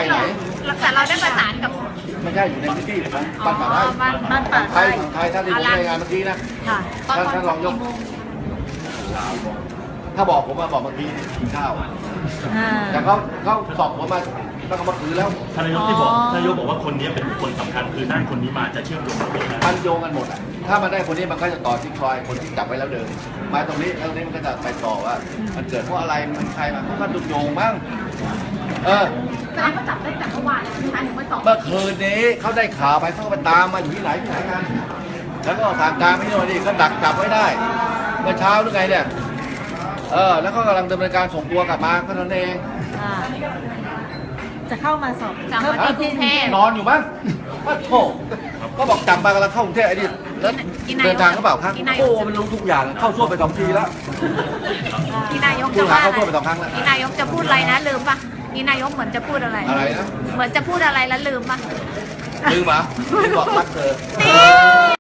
ไหนแต่เราได้ประสานกับไม่ใช่อยู่ในพื้นที่ของบ้านป่าไร่บ้านป่าไทยของไทยท่านที่ผมรายงานเมื่อกี้นะค่ะท่านรองยกถ้าบอกผมมาบอกเมื่อกี้กินข้าวแต่เขาสอบผมมาตั้งแต่เมื่อคืนแล้วท่านนายกที่บอกท่านนายกบอกว่าคนนี้เป็นบุคคลสำคัญคือได้คนนี้มาจะเชื่อมโยงกับคนนั้นมันโยงกันหมดอ่ะถ้ามันได้คนนี้มันก็จะต่อที่คอยคนที่จับไว้แล้วเดินมาตรงนี้แล้วตรงนี้มันก็จะไปต่อว่า มันเกิดเพราะอะไรมันใครมาเขาก็ดุโยงมั้งแสดงว่าจับได้แต่เมื่อวานเลยนะคะถึงไม่สอบเมื่อคืนนี้เขาได้ข่าวไปเขาก็ไปตามมาอยู่ที่ไหนกันแล้วก็ทางการไม่โน่นนี่ก็ดักจับไว้ได้เมื่อเช้าหรือไงเนี่ยแล้วก็กำลังดำเนินการส่งตัวกลับมาก็เท่านั้นเองจะเข้ามาสอบจับมาที่กรุงเทพนอนอยู่มั้งว่าโธ่ก็บอกจับมากำลังเข้ากรุงเทพไอ้นี่แล้วเดินทางเขาเปล่าครับโอ้มันรู้ทุกอย่างเข้าซ่วมไป2 ทีแล้วที่นายกผู้จะหาว่าเข้าซ่วมไป2 ครั้งแล้วที่นายกจะพูดอะไรนะลืมปะที่นายกเหมือนจะพูดอะไรอะไรนะเหมือนจะพูดอะไรแล้วลืมปะลืมเหรอลืมบอกรักเธอนี่